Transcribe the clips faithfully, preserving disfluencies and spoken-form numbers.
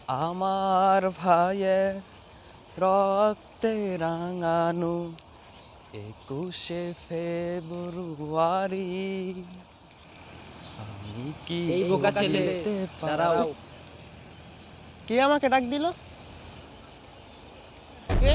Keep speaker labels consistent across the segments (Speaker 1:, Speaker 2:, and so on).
Speaker 1: আমার ভাইয়ের রক্তে রাঙানো একুশে ফেব্রুয়ারি আমি কি
Speaker 2: এই বোকা ছেলে,
Speaker 1: ভুলতে
Speaker 2: দাঁড়াও।
Speaker 1: পারবো? কে আমাকে ডাক দিল? কে?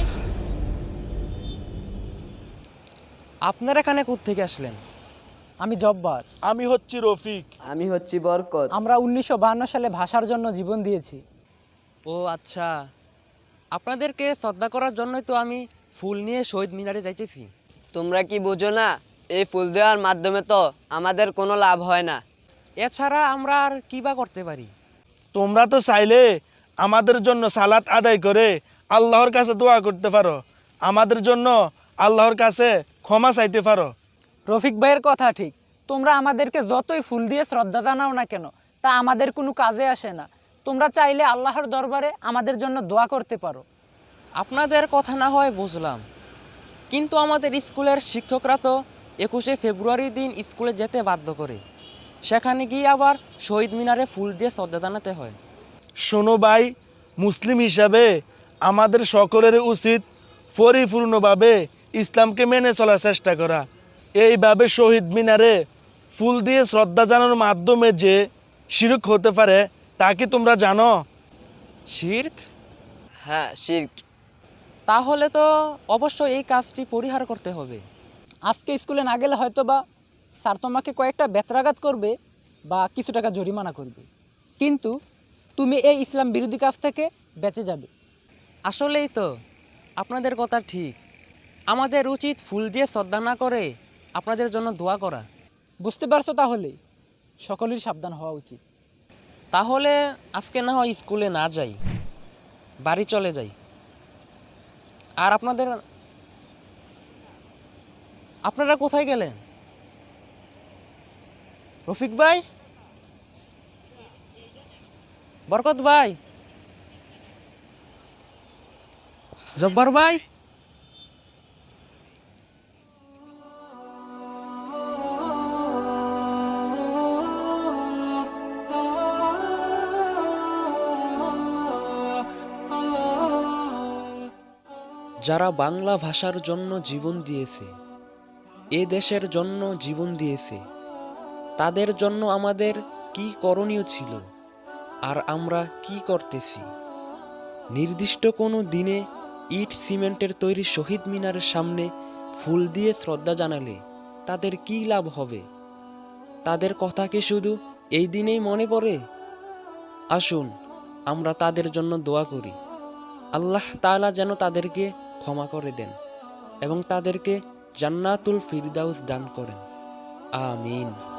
Speaker 1: আপনারা এখানে কোত্থেকে আসলেন?
Speaker 2: আমি জব্বার।
Speaker 3: আমি হচ্ছি রফিক।
Speaker 4: আমি হচ্ছি বরকত।
Speaker 2: আমরা উনিশশো বাহান্ন সালে ভাষার জন্য জীবন দিয়েছি।
Speaker 1: ও আচ্ছা, আপনাদেরকে শ্রদ্ধা করার জন্যই তো আমি ফুল নিয়ে শহীদ মিনারে যাইতেছি।
Speaker 4: তোমরা কি বোঝো না, এই ফুল দেওয়ার মাধ্যমে তো আমাদের কোনো লাভ হয় না।
Speaker 1: এছাড়া আমরা আর কি বা করতে পারি?
Speaker 3: তোমরা তো চাইলে আমাদের জন্য সালাত আদায় করে আল্লাহর কাছে দোয়া করতে পারো, আমাদের জন্য আল্লাহর কাছে ক্ষমা চাইতে পারো।
Speaker 2: রফিক ভাইয়ের কথা ঠিক। তোমরা আমাদেরকে যতই ফুল দিয়ে শ্রদ্ধা জানাও না কেন, তা আমাদের কোনো কাজে আসে না। তোমরা চাইলে আল্লাহর দরবারে আমাদের জন্য দোয়া করতে পারো।
Speaker 1: আপনাদের কথা না হয় বুঝলাম, কিন্তু আমাদের স্কুলের শিক্ষকরা তো একুশে ফেব্রুয়ারি দিন স্কুলে যেতে বাধ্য করে, সেখানে গিয়ে আবার শহীদ মিনারে ফুল দিয়ে শ্রদ্ধা জানাতে হয়।
Speaker 3: শোনো ভাই, মুসলিম হিসাবে আমাদের সকলের উচিত পরিপূর্ণভাবে ইসলামকে মেনে চলার চেষ্টা করা। এইভাবে শহীদ মিনারে ফুল দিয়ে শ্রদ্ধা জানানোর মাধ্যমে যে শিরক হতে পারে তা কি তোমরা জানো?
Speaker 1: শিরক?
Speaker 4: হ্যাঁ, শিরক।
Speaker 1: তাহলে তো অবশ্যই এই কাজটি পরিহার করতে হবে।
Speaker 2: আজকে স্কুলে না গেলে হয়তো বা স্যার তোমাকে কয়েকটা বেত্রাঘাত করবে বা কিছু টাকা জরিমানা করবে, কিন্তু তুমি এই ইসলাম বিরোধী কাজ থেকে বেঁচে যাবে।
Speaker 1: আসলেই তো আপনাদের কথা ঠিক, আমাদের উচিত ফুল দিয়ে শ্রদ্ধা না করে আপনাদের জন্য দোয়া করা।
Speaker 2: বুঝতে পারছো? তাহলে সকলের সাবধান হওয়া উচিত।
Speaker 1: তাহলে আজকে না হয় স্কুলে না যাই, বাড়ি চলে যাই। আর আপনাদের আপনারা কোথায় গেলেন? রফিক ভাই, বরকত ভাই, জব্বার ভাই, যারা বাংলা ভাষার জন্য জীবন দিয়েছে, এ দেশের জন্য জীবন দিয়েছে, তাদের জন্য আমাদের কি করণীয় ছিল আর আমরা কি করতেছি? নির্দিষ্ট কোনো দিনে ইট সিমেন্টের তৈরি শহীদ মিনারের সামনে ফুল দিয়ে শ্রদ্ধা জানালে তাদের কি লাভ হবে? তাদের কথা কি শুধু এই দিনেই মনে পড়ে? আসুন আমরা তাদের জন্য দোয়া করি, আল্লাহ তাআলা যেন তাদেরকে ক্ষমা করে দেন এবং তাদেরকে জান্নাতুল ফিরদাউস দান করেন। আমিন।